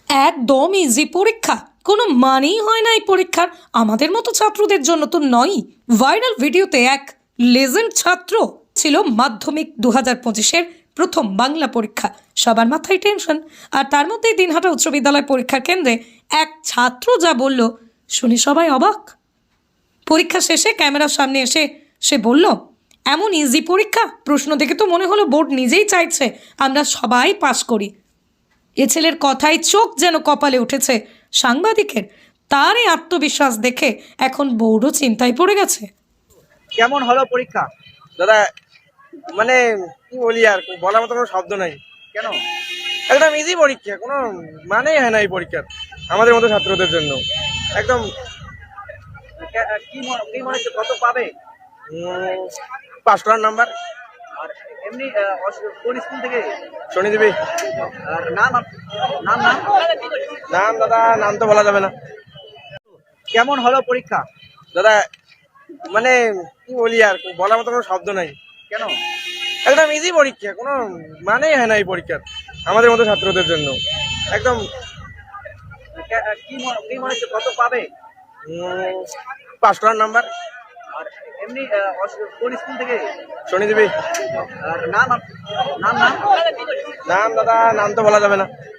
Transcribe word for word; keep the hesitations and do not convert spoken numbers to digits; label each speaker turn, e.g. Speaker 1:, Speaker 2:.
Speaker 1: একদম ইজি পরীক্ষা, কোনো মানেই হয় না এই পরীক্ষার। আমাদের মতো ছাত্রদের জন্য তো নয়ই। ভাইরাল ভিডিওতে এক লেজেন্ড ছাত্র ছিল মাধ্যমিক দু হাজার পঁচিশের প্রথম বাংলা পরীক্ষা। সবার মাথায় টেনশন, আর তার মধ্যেই দিনহাটা উচ্চ বিদ্যালয় পরীক্ষার কেন্দ্রে এক ছাত্র যা বলল শুনে সবাই অবাক। পরীক্ষা শেষে ক্যামেরার সামনে এসে সে বলল, এমন ইজি পরীক্ষা, প্রশ্ন দেখে তো মনে হলো বোর্ড নিজেই চাইছে আমরা সবাই পাস করি। এ ছেলের কথায় চোখ যেন কপালে উঠেছে সাংবাদিকের। তার এই আত্মবিশ্বাস দেখে এখন বোর্ডও চিন্তায় পড়ে গেছে।
Speaker 2: কেমন হলো পরীক্ষা দাদা? মানে কি বলি, আর বলার মতো কোনো শব্দ নাই। কেন? একদম ইজি পরীক্ষা, কোনো মানেই হয় না এই পরীক্ষার আমাদের মতো ছাত্রদের জন্য। একদম কি মনে কি মনে হচ্ছে কত পাবে? উম, পাঁচ করার নাম্বার। আর এমনি কোন স্কুল থেকে? শনিদেবী। আর নাম আপ- নাম নাম নাম দাদা, নাম তো বলা যাবে না। কেমন হলো পরীক্ষা দাদা? মানে কি বলি, আর বলার মতো কোনো শব্দ নাই। কেন? একদম ইজি পরীক্ষা, কোনো মানেই হয় না এই পরীক্ষার আমাদের মতো ছাত্রদের জন্য। একদম কি মনে কি মনে হচ্ছে কত পাবে? উম, পাঁচ করার নাম্বার। আর এমনি কোন স্কুল থেকে? শনিদেবী। আর নাম আপ- নাম নাম নাম দাদা, নাম তো বলা যাবে না।